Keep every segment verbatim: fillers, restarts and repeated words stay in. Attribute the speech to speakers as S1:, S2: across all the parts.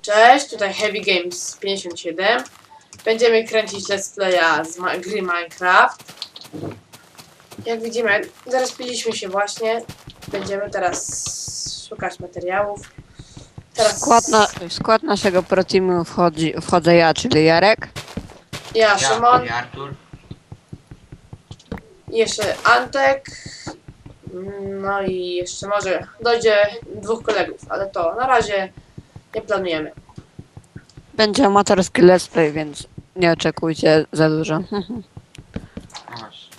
S1: Cześć, tutaj Heavy Games pięćdziesiąt siedem. Będziemy kręcić let's playa z ma gry Minecraft. Jak widzimy, zarespiliśmy się właśnie. Będziemy teraz szukać materiałów. Teraz...
S2: W skład, na, w skład naszego proteamu wchodzi, wchodzę ja, czyli Jarek.
S1: Ja,
S3: Ja,
S1: Szymon.
S3: ja Artur.
S1: I jeszcze Antek. No i jeszcze może dojdzie dwóch kolegów, ale to na razie nie planujemy.
S2: Będzie amatorski let's play, więc nie oczekujcie za dużo.
S3: No właśnie.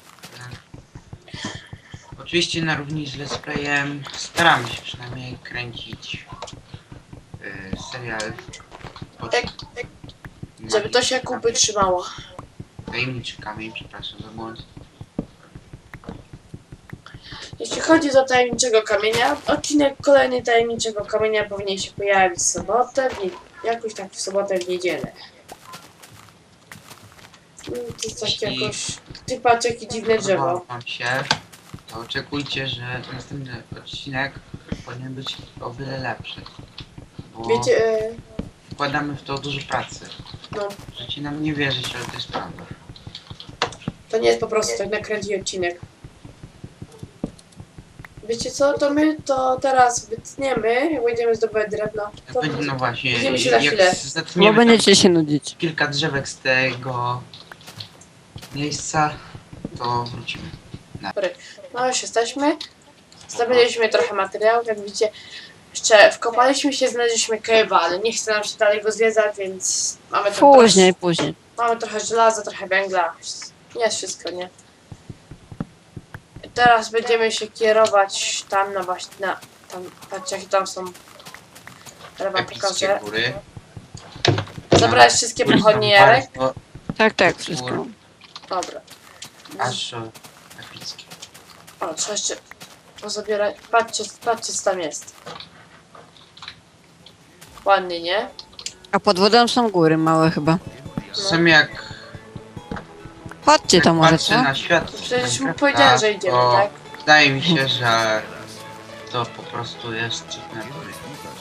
S3: Oczywiście na równi z let's playem staramy się przynajmniej kręcić yy, serial pod
S1: Tak, tak, żeby to się kupy trzymało.
S3: tajemniczy kamień, przepraszam za błąd.
S1: Jeśli chodzi o tajemniczego kamienia, odcinek kolejny tajemniczego kamienia powinien się pojawić w sobotę, w nie... jakoś tak w sobotę, w niedzielę. Mm, To jest tak
S3: Jeśli-
S1: jakoś... Ty patrz, jakie dziwne drzewo.
S3: Podobało wam się, to oczekujcie, że następny odcinek powinien być o wiele lepszy. Bo
S1: Wiecie, e,
S3: wkładamy w to dużo pracy.
S1: no,
S3: Możecie nam nie wierzyć, ale to jest prawda.
S1: to nie jest po prostu tak nakręcić odcinek. Wiecie co, to my to teraz wytniemy, jak będziemy zdobywać drewno. To
S3: Będzie, no właśnie,
S1: widzimy się za chwilę.
S3: jak
S2: Bo
S3: zatniemy tam
S2: będziecie się nudzić.
S3: kilka drzewek z tego miejsca, to wrócimy.
S1: No już jesteśmy. Zdobyliśmy trochę materiałów, jak widzicie. Jeszcze wkopaliśmy się, znaleźliśmy cave'a, ale nie chce nam się dalej go zwiedzać, więc mamy tam
S2: Później,
S1: trochę,
S2: później.
S1: mamy trochę żelaza, trochę węgla. Nie jest wszystko, nie? I teraz będziemy się kierować tam na właśnie, na, tam, patrzcie jakie tam są. Teraz wam
S3: Epickie
S1: pokażę.
S3: góry.
S1: Zabrałeś wszystkie pochodnie, Jarek?
S3: Bardzo
S2: Tak, tak, wszystko.
S1: Dobra.
S3: Aż o, epickie.
S1: O, trzeba jeszcze pozabierać. Patrzcie, patrzcie co tam jest. Ładnie, nie?
S2: A pod wodą są góry małe chyba.
S3: Są jak,
S2: Chodźcie
S3: jak
S2: tam może,
S3: patrzę
S2: co?
S3: na świat
S1: Przecież mu
S3: Minecrafta,
S1: powiedziałem, że idziemy,
S3: to
S1: tak?
S3: Wydaje mi się, że to po prostu jest cud natury.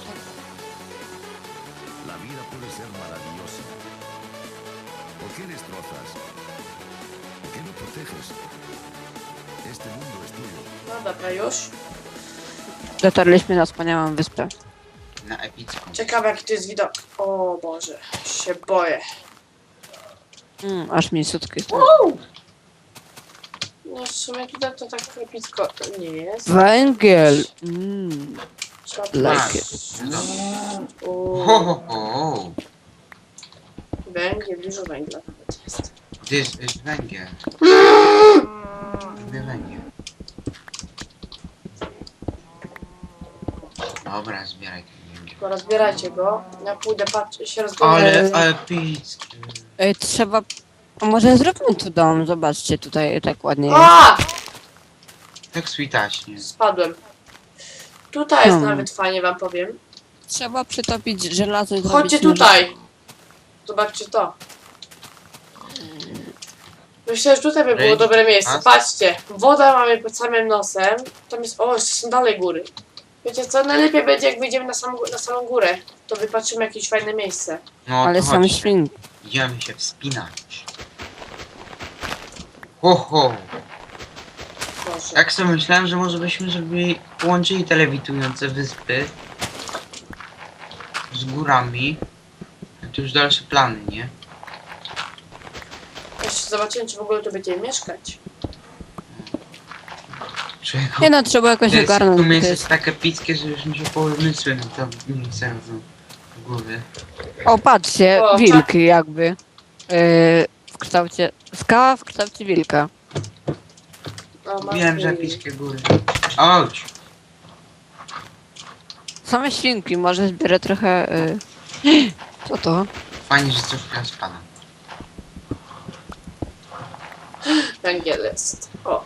S4: La vida puede ser maravillosa. ¿Por qué destrozas? ¿Por qué no proteges? Este mundo es tuyo.
S1: No dobra, już.
S2: Dotarliśmy na wspaniałą wyspę.
S3: Na epicką.
S1: Ciekawe jaki to jest widok. O Boże, się boję.
S2: Mm, aż mi sutki są.
S1: No w sumie tutaj to tak epicko nie jest.
S2: Węgiel. Mm,
S1: Trzeba
S2: like
S3: Masz.
S2: it.
S3: No.
S1: O,
S3: Ho, ho, ho.
S1: węgiel, dużo węgla nawet jest.
S3: This is węgiel. Lubię węgiel. Dobra, zbieraj ten węgiel.
S1: Tylko rozbierajcie go. Ja pójdę patrzeć, się
S3: Ale
S1: rozglądać.
S3: epickie.
S2: Ej, trzeba... A może zróbmy tu dom? Zobaczcie, tutaj tak ładnie jest.
S1: A!
S3: Tak switaśnie.
S1: Spadłem. Tutaj jest
S2: Hmm.
S1: nawet fajnie wam powiem.
S2: Trzeba przytopić żelazo i zrobić
S1: Chodźcie
S2: noże.
S1: tutaj. Zobaczcie to. Myślę, że tutaj by było
S3: Ej,
S1: dobre miejsce.
S3: a?
S1: Patrzcie, woda mamy pod samym nosem. Tam jest, o, jeszcze są dalej góry. Wiecie co, najlepiej będzie jak wyjdziemy na samą, na samą górę. To wypatrzymy jakieś fajne miejsce.
S3: No
S2: Ale
S3: to
S2: są
S3: chodźcie.
S2: świnki.
S3: Idziemy się wspinać. Ho, ho.
S1: Proszę.
S3: Tak sobie myślałem, że może byśmy zrobili, połączyli te lewitujące wyspy z górami. To już dalsze plany, nie?
S1: Jeszcze zobaczymy, czy w ogóle tu będziemy mieszkać.
S3: Czego?
S2: Nie no, trzeba jakoś
S3: To jest,
S2: ogarnąć.
S3: to
S2: To
S3: miejsce
S2: jest...
S3: jest tak epickie, że już mi się pomysły na to miejsce rodzą w głowie.
S2: O, patrzcie,
S1: O,
S2: wilk jakby. Yy, w kształcie... Skała w kształcie wilka.
S1: O,
S3: Wiem, że
S1: matki.
S3: epickie góry. Chodź!
S2: Same świnki, może zbierę trochę... Yy... Co to?
S3: Fajnie, że coś teraz spada.
S1: Węgiel jest. O,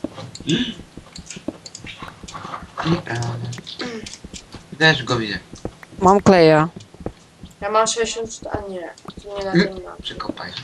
S3: Nieprawda. Też go widzę.
S2: Mam kleja.
S1: ja mam sześćdziesiąt, a nie, to nie na tym mam.
S3: Przekopaj.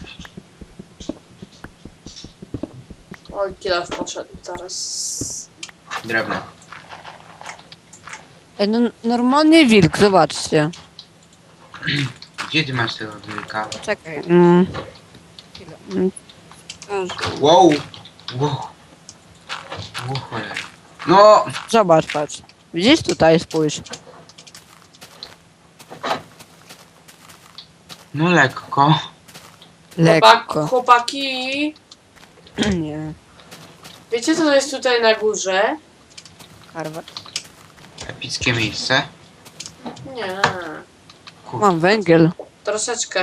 S1: Oj, kilo poszedł zaraz.
S3: Drewno.
S2: Ej, no, normalnie wilk, zobaczcie.
S3: Gdzie ty masz tego wilka?
S2: Czekaj. Mm. Chwilę. Mm.
S3: Wow! Wow! Wow, cholera. No!
S2: Zobacz, patrz. Widzisz tutaj, spójrz.
S3: No lekko.
S1: Chłopak,
S2: Lekko.
S1: chłopaki,
S2: Nie.
S1: wiecie co to jest tutaj na górze?
S2: Karwa.
S3: Epickie miejsce.
S1: Nie,
S3: Kur...
S2: Mam węgiel.
S1: troszeczkę.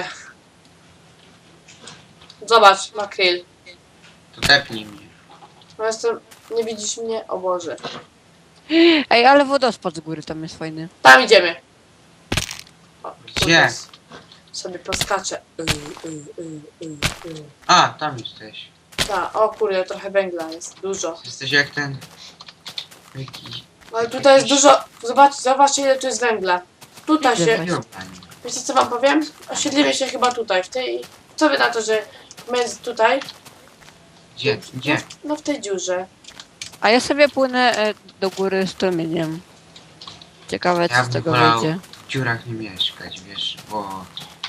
S1: Zobacz, makryl.
S3: To tepnij mnie.
S1: No jestem, nie widzisz mnie? O Boże.
S2: Ej, ale wodospad z góry tam jest fajny.
S1: Tam idziemy. O,
S3: Gdzie?
S1: kurde, sobie poskaczę. Y, y, y, y, y.
S3: A, tam jesteś.
S1: Ta, o kurde, trochę węgla jest, dużo.
S3: Jesteś jak ten... Jakiś...
S1: Ale tutaj jest dużo, zobacz, zobaczcie ile tu jest węgla. Tutaj
S2: Widzę
S1: się,
S2: właśnie.
S1: wiecie co wam powiem? Osiedlimy się chyba tutaj, w tej, co wy na to, że między tutaj?
S3: Gdzie? Gdzie?
S1: No w tej dziurze.
S2: A ja sobie płynę e, do góry strumieniem. Ciekawe, co
S3: Ja
S2: z
S3: bym
S2: tego
S3: wolał
S2: wyjdzie.
S3: w dziurach nie mieszkać, wiesz, bo...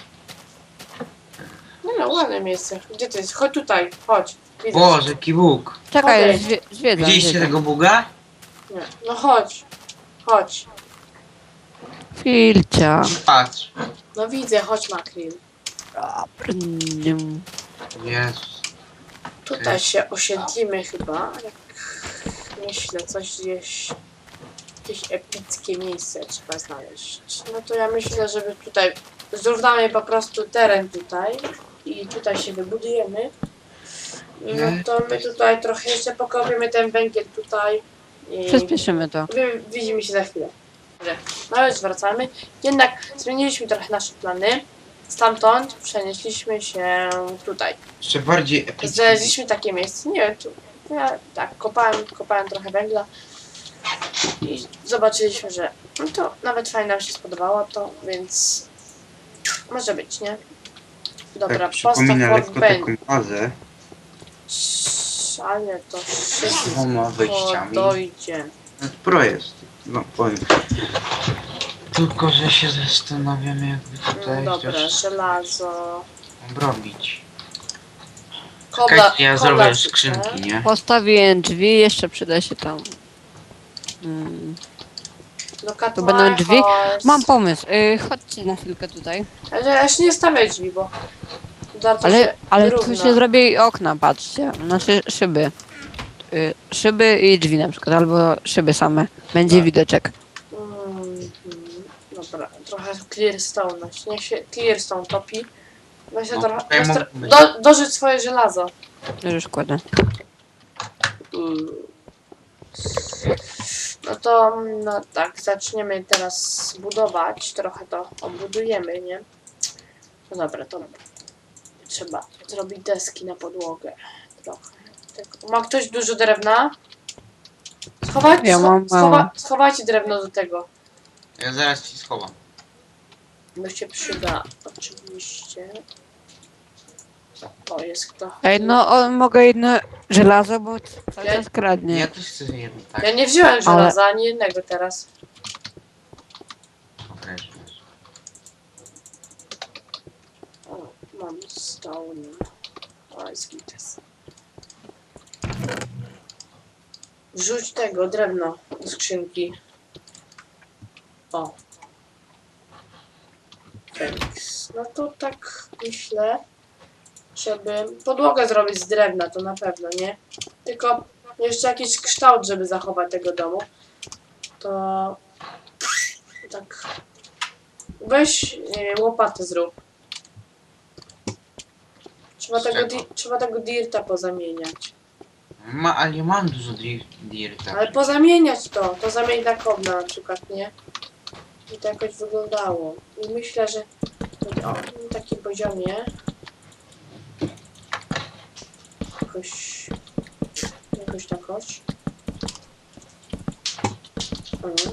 S1: No no, ładne miejsce. Gdzie to jest? Chodź tutaj, chodź. Widzę.
S3: Boże, jaki Bóg!
S2: Czekaj,
S1: Okej.
S2: zwie, zwiedzam.
S3: Widzieliście
S2: zwiedzam.
S3: tego buga?
S1: Nie. No chodź. Chodź.
S2: Filcia.
S3: Patrz.
S1: No widzę, chodź Makryl.
S2: Prniem.
S3: Jezus.
S1: Tutaj się osiedlimy chyba. Jak myślę, coś gdzieś... Jakieś epickie miejsce trzeba znaleźć. No to ja myślę, żeby tutaj... Zrównamy po prostu teren tutaj. I tutaj się wybudujemy. No to my tutaj trochę jeszcze pokopiemy ten węgiel tutaj. I
S2: Przyspieszymy to.
S1: wi- widzimy się za chwilę. Dobrze. No już wracamy. Jednak zmieniliśmy trochę nasze plany. Stamtąd przenieśliśmy się tutaj.
S3: Jeszcze bardziej epickie.
S1: Znaleźliśmy takie miejsce, nie wiem, tu, ja tak, kopałem, kopałem trochę węgla i zobaczyliśmy, że no to nawet fajnie nam się spodobało to, więc może być, nie? Dobra,
S3: Tak,
S1: postaw
S3: przypomina lekko
S1: workbench,
S3: taką bazę
S1: ale to
S3: z
S1: szybko
S3: dwoma wejściami.
S1: dojdzie.
S3: No, Pro jest. No powiem. Tylko, że się zastanawiam, jakby
S1: No
S3: tutaj
S1: dobra,
S3: coś
S1: żelazo,
S3: obrobić.
S1: kobla,
S3: Czekajcie, ja
S1: kobla
S3: zrobię
S1: sypę.
S3: skrzynki, nie?
S2: Postawiłem drzwi, jeszcze przyda się tam. Mm.
S1: No cut
S2: To będą
S1: my
S2: drzwi?
S1: horse.
S2: Mam pomysł. Y, chodźcie na chwilkę tutaj.
S1: Ale ja jeszcze nie stawiaj drzwi, bo zaraz to
S2: Ale,
S1: się
S2: ale tu
S1: wyrówna.
S2: się zrobi okna, patrzcie. Znaczy szyby. Y, szyby i drzwi na przykład, albo szyby same. Będzie
S3: Tak.
S2: widoczek.
S1: Mm, dobra, trochę clearstone. Niech się clearstone topi. Weź
S3: No,
S1: trochę.
S3: tutaj
S1: Weź
S3: mogą
S1: tro
S3: być.
S1: do, dożyć swoje żelazo.
S2: Już kładę.
S1: Mm. No to no tak, zaczniemy teraz budować. Trochę to obudujemy, nie? No dobra, to trzeba zrobić deski na podłogę. Trochę. Tylko- Ma ktoś dużo drewna? Schować,
S2: Ja mam
S1: scho schowa
S2: mało.
S1: schowajcie drewno do tego.
S3: Ja zaraz ci schowam.
S1: Bo się przyda, oczywiście. O, jest kto.
S2: Ej, no o, mogę jedno żelazo, bo cały
S1: Ja-
S2: czas kradnie.
S3: Ja też chcę jedno, tak.
S1: Ja nie wziąłem
S2: Ale-
S1: żelaza, ani jednego teraz.
S3: Okej.
S1: O, mam stone. O, jest gites. Wrzuć tego, drewno do skrzynki. O. Feniks. No to tak myślę, żeby podłogę zrobić z drewna, to na pewno, nie? Tylko jeszcze jakiś kształt, żeby zachować tego domu. To tak. Weź, nie wiem, łopatę zrób. Trzeba
S3: Z
S1: tego,
S3: czego?
S1: di- trzeba tego dirta pozamieniać.
S3: Ma, ale ja mam dużo dir- dirta.
S1: Ale pozamieniać to, to zamień na kobla na przykład, nie? I to jakoś wyglądało. I myślę, że o, na takim poziomie jakoś jakoś takoś. Mhm.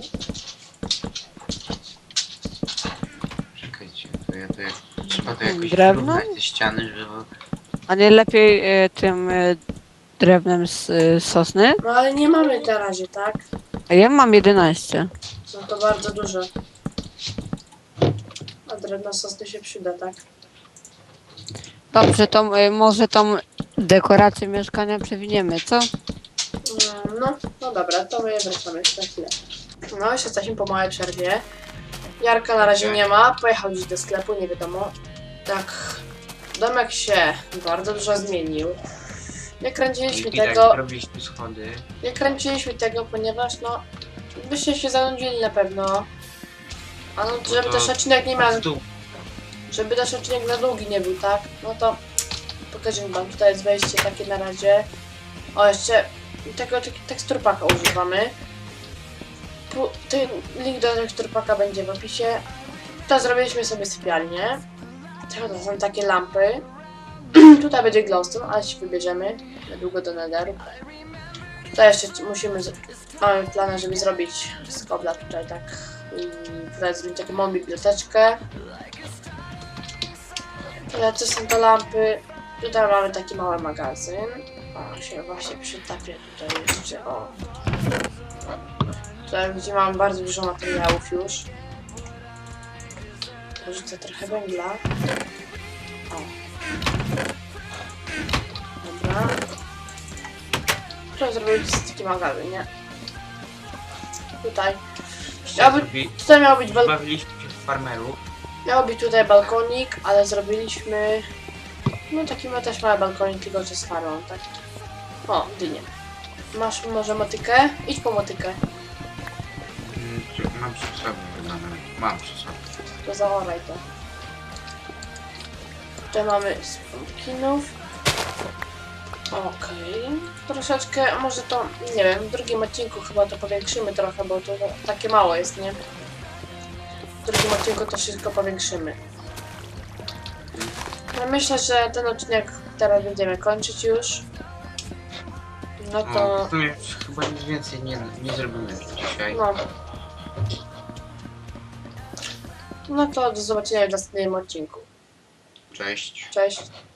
S3: Czekajcie, to ja to jak... Trzeba to jakoś
S2: Drewno?
S3: wyrównać te ściany, żeby...
S2: A nie lepiej y, tym y, drewnem z y, sosny?
S1: No ale nie mamy na razie, tak?
S2: A ja mam jedenaście.
S1: No to bardzo dużo. A drewno sosny się przyda, tak?
S2: Dobrze, to y, może tą dekorację mieszkania przewiniemy, co?
S1: Mm, No, no dobra, to my wracamy jeszcze na chwilę. No, już jesteśmy po małej przerwie. Jarka na razie nie ma, pojechał gdzieś do sklepu, nie wiadomo. Tak, domek się bardzo dużo zmienił. Nie kręciliśmy
S3: I widać,
S1: tego,
S3: robiliśmy schody.
S1: nie kręciliśmy tego, ponieważ no, byście się zanudzili na pewno. A no, żeby
S3: to
S1: też odcinek nie miał,
S3: w dół.
S1: żeby też odcinek za długi nie był, tak? No to pokażę wam, tutaj jest wejście takie na razie. O, jeszcze tego tek- teksturpaka używamy. Pu- Ten link do teksturpaka będzie w opisie. To zrobiliśmy sobie sypialnię. To są takie lampy. Tutaj będzie glowstone, ale się wybierzemy niedługo do netheru. Tutaj jeszcze musimy, z- mamy plan, żeby zrobić z kobla tutaj tak. I tutaj zrobić taką małą biblioteczkę. Tutaj to są te lampy. Tutaj mamy taki mały magazyn. O, się właśnie przytapie tutaj jeszcze. O. Tutaj gdzie mamy bardzo dużo materiałów już. Porzucę trochę węgla. O. Dobra. Trzeba zrobić taki magazyn, nie? Tutaj. Miał być,
S3: Zrobi-
S1: tutaj miał być bal
S3: Bawiliśmy się w farmerów.
S1: miał być tutaj balkonik, ale zrobiliśmy... No taki ma też mały balkonik, tylko że z farmą, tak? O, dynię. Masz może motykę? Idź po motykę.
S3: Mm, czy- Mam przy sobie chyba nawet. Mam przy sobie.
S1: To zaoraj to. Tutaj mamy z pumpkinów. Okej. Troszeczkę, może to, nie wiem, w drugim odcinku chyba to powiększymy trochę, bo to takie mało jest, nie? W drugim odcinku to wszystko powiększymy. No myślę, że ten odcinek teraz będziemy kończyć już. No
S3: O,
S1: to...
S3: w sumie już chyba nic więcej nie, nie zrobimy dzisiaj.
S1: No. No to do zobaczenia w następnym odcinku.
S3: Cześć.
S1: Cześć.